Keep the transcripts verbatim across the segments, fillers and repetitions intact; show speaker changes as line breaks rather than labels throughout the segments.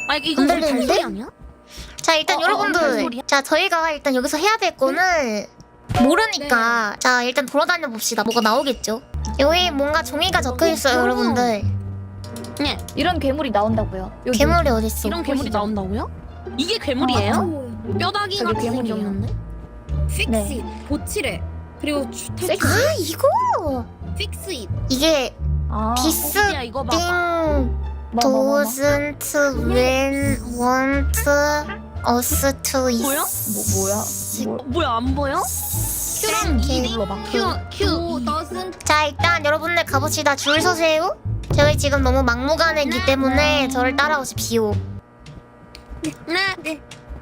아 이거
안
우리
들리는데?
발소리 아니야?
자 일단
어, 어,
여러분들
발소리야?
자 저희가 일단 여기서 해야 될 거는 모르니까 자 일단 돌아다녀 봅시다. 뭐가 나오겠죠? 여기 뭔가 종이가 적혀 있어요,
어,
여러분들.
네.
이런 괴물이 나온다고요. 여기.
괴물이 어딨어?
이런 괴물이
보시죠.
나온다고요? 이게 괴물이에요?
아,
뼈다귀
저게
같이
괴물이에요.
생겼는데?
픽스
네.
보치래. 그리고 주-
섹시.
아 이거
픽스 잇.
이게
아.
디스
야 이거 봐봐.
띵
뭐, 뭐, 뭐, 뭐.
doesn't when want us to
뭐야?
뭐 뭐야? 뭐.
어, 뭐야 안 보여? 큐랑
이게
이디
눌러봐.
큐 큐.
오 더슨
자 일단 여러분들 가봅시다. 줄 서세요. 저희 지금 너무 막무가내이기 때문에 저를 따라오십시오.
네. 네.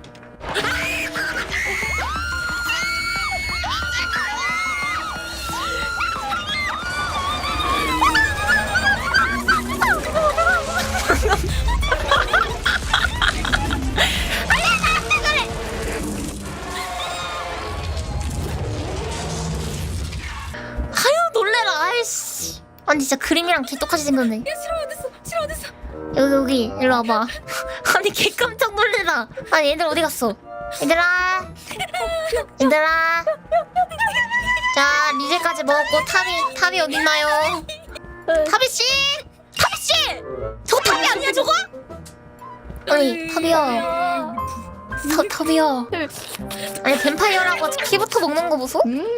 아유 놀래라. 아이씨. 아니 진짜 그림이랑 개똑같이 생겼네.
야 싫어 어딨어 싫어 어딨어.
여기 여기 일로 와봐. 아니 개 깜짝 놀래라. 아니 얘들 어디 갔어? 얘들아 얘들아 자 리제까지 먹었고 탑이 탑이 어딨나요? 타비씨! 타비씨! 저거 탑이 아니야 저거? 아니 탑이야 타, 탑이야 아니 뱀파이어라고 피부터 먹는 거 보소?
음.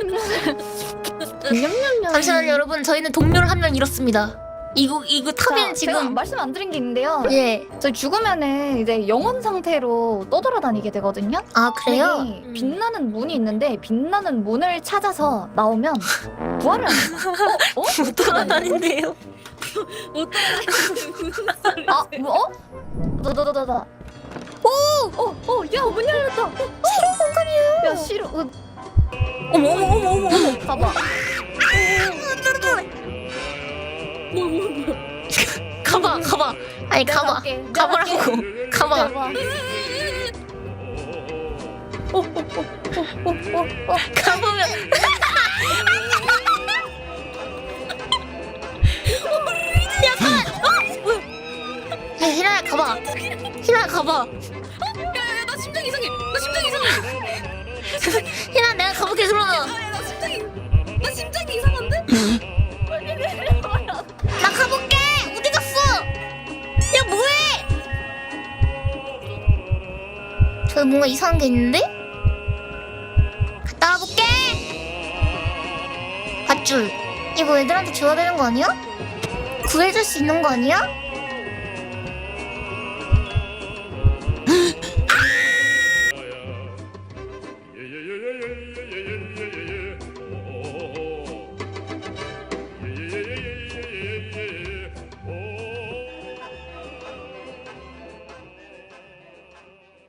냠냠냠.
잠시만요 여러분 저희는 동료를 한 명 잃었습니다. 이거 이거 탑이는
자, 제가
지금
말씀 안 드린 게 있는데요.
예.
저희 죽으면은 이제 영혼 상태로 떠돌아다니게 되거든요.
아 그래요?
여기 빛나는 문이 있는데 빛나는 문을 찾아서 나오면 부활을 합니다. 어? 어?
못 돌아다닌대요.
못 따라가는 무슨 소리?
아, 뭐? 어? 너너너너너. 오! 어, 어, 야, 문 열렸다. 어,
새로운 공간이에요.
야, 싫어. 어,
어머 어머 어머 어머 어머.
봐봐.
뭐 뭐 뭐.
가봐 가봐. 아니
내가
가봐.
갈게, 내가
가보라고. 가봐.
봐봐. 어, 어, 어, 어, 어, 어, 어.
가보면. 야 가만. 어? 뭐야? 야 희라야 가봐. 희라 가봐.
야야야 나 심장 이상해. 나 심장 이상해.
희라 내가 가볼게 그러면.
아야 나 심장이 나 심장이 이상한데?
나 가볼게. 어디 갔어? 야 뭐해? 저기 뭔가 이상한 게 있는데? 갔다 와볼게. 밧줄. 이거 애들한테 줘야 되는 거 아니야? 구해줄 수 있는 거 아니야?